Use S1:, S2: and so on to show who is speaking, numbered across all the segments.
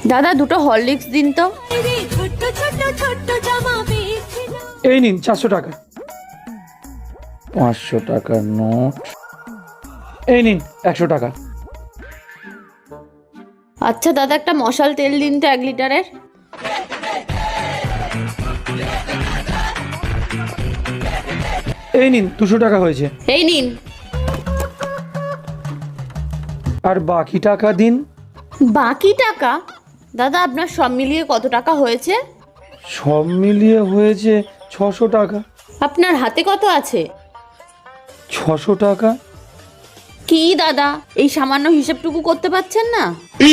S1: দাদা দুটো হরলিক্স দিন তো।
S2: এই নিন 400 টাকা। 500 টাকার নোট। এই নিন 100 টাকা।
S1: আচ্ছা দাদা একটা মশাল তেল দিন তো 1 লিটারের।
S2: এই নিন 200 টাকা হয়েছে।
S1: এই নিন।
S2: আর বাকি টাকা দিন।
S1: বাকি টাকা? দাদা আপনার সব মিলিয়ে কত টাকা হয়েছে?
S2: সব মিলিয়ে হয়েছে 600 টাকা।
S1: আপনার হাতে কত আছে?
S2: 600 টাকা।
S1: কি দাদা এই সামান্য হিসেবটুকু করতে পারছেন না?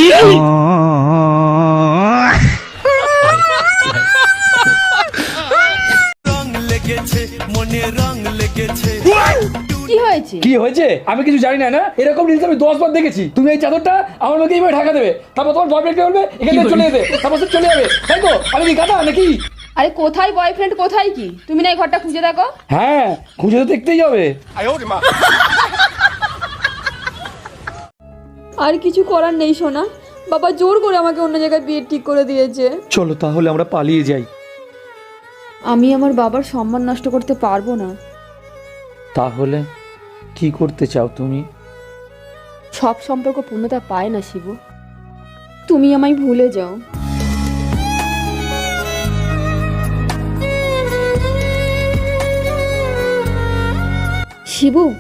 S1: কি হয়েছে?
S2: কি হয়েছে আমি কিছু জানি না। না এরকম রিলস আমি 10 বার দেখেছি। তুমি এই চাদরটা আমার মুখে এইভাবে ঢাকা দেবে, তারপর তোমার বয়ফ্রেন্ডকে বলবে এখান থেকে চলে যেতে, তারপর সে চলে যাবে, তাই তো? আমি কি গাধা নাকি?
S3: আরে কোথায় বয়ফ্রেন্ড কোথায় কি? তুমি না এই ঘরটা খুঁজে দেখো।
S2: হ্যাঁ খুঁজে তো দেখতেই হবে।
S3: আর কিছু করার নেই সোনা, বাবা জোর করে আমাকে অন্য জায়গায় বিয়ে ঠিক করে দিয়েছে।
S2: চলো তাহলে আমরা পালিয়ে যাই।
S3: আমি আমার বাবার সম্মান নষ্ট করতে পারবো না।
S2: তাহলে কি করতে চাও তুমি?
S3: সব সম্পর্ক পূর্ণতা পায় না শিবু, তুমি আমায় ভুলে যাও। শিবু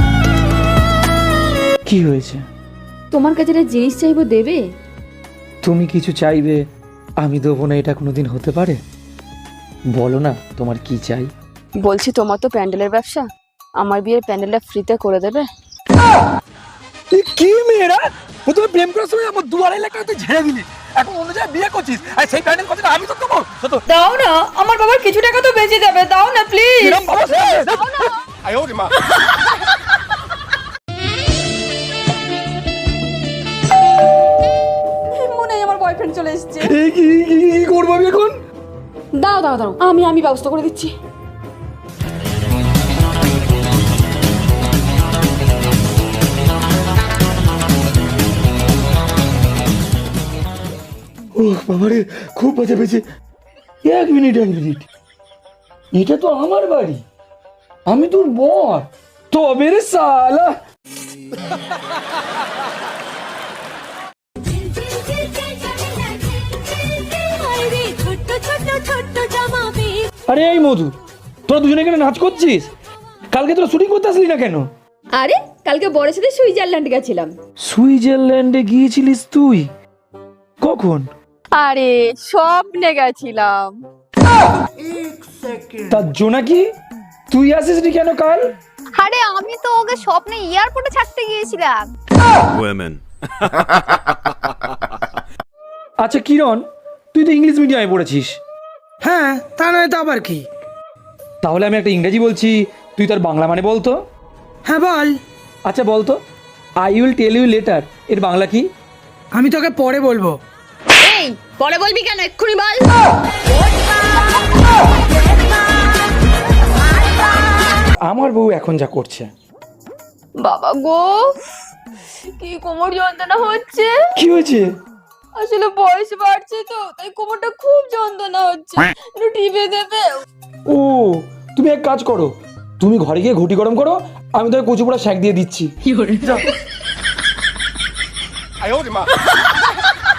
S2: কি হয়েছে?
S3: তোমার কাছে একটা জিনিস চাইবো, দেবে?
S2: তুমি কিছু চাইবে আমি দেবো না, এটা কোনোদিন হতে পারে? বলো না তোমার কি চাই।
S3: বলছি তোমার তো প্যান্ডেলের ব্যবসা, আমার বিয়ের প্যান্ডেলটা ফ্রিতে করে দেবে?
S2: কি মেয়েরা, প্রথমে প্রেম করার সময় আমার দুয়ারে এলাকায় তুই ঝেড়ে দিলি, এখন অন্য জায়গায় বিয়ে করছিস, আর সেই প্যান্ডেল কথাটা আমি তো দেবো।
S3: দাও না, আমার বাবার কিছু টাকা তো বেঁচে যাবে, দাও না প্লিজ। মনে হয় আমার বয়ফ্রেন্ড চলে এসেছে।
S2: কি করবো আমি এখন?
S3: দাও দাও দাও, আমি ব্যবস্থা করে দিচ্ছি।
S2: ও বাবারে খুব বাজে পেয়েছে। 1 মিনিট এটা তো আমার বাড়ি, আমি তোর বর, তবে রে সালা। আরে এই মধু, তোরা দুজনে এখানে নাচ করছিস? কালকে তোরা শুটিং করতে আসলি না কেন?
S3: আরে কালকে বরের সাথে সুইজারল্যান্ড গেছিলাম।
S2: সুইজারল্যান্ডে গিয়েছিলিস তুই? কখন?
S3: আরে স্বপ্নে গেছিলাম।
S2: তার জোনাকি তুই আসিসনি কেন কাল?
S4: আরে আমি তো ওকে স্বপ্নে এয়ারপোর্টে ছাড়তে গিয়েছিলাম।
S2: আচ্ছা কিরণ, তুই তো ইংলিশ মিডিয়ামে পড়েছিস।
S5: হ্যাঁ, তা নয় তো আবার কি?
S2: তাহলে আমি একটা ইংরেজি বলছি, তুই তার বাংলা মানে বলতো।
S5: হ্যাঁ বল।
S2: আচ্ছা বলতো, I will tell you later এর বাংলা কি?
S5: আমি তোকে পরে বলবো।
S1: এই পরে বলবি কেন, এক্ষুনি বল।
S2: আমার বউ এখন যা করছে।
S3: বাবা গো, কি কোমর যন্ত্রণা হচ্ছে।
S2: কি হয়েছে?
S3: আসলে বয়স বাড়ছে তো, তাই কোমরটা খুব যন্ত্রণা হচ্ছে, একটু টিপে দেবে?
S2: ও তুমি এক কাজ করো, তুমি ঘরে গিয়ে ঘুটি গরম করো, আমি তোকে কচু পোড়া শাক দিয়ে দিচ্ছি।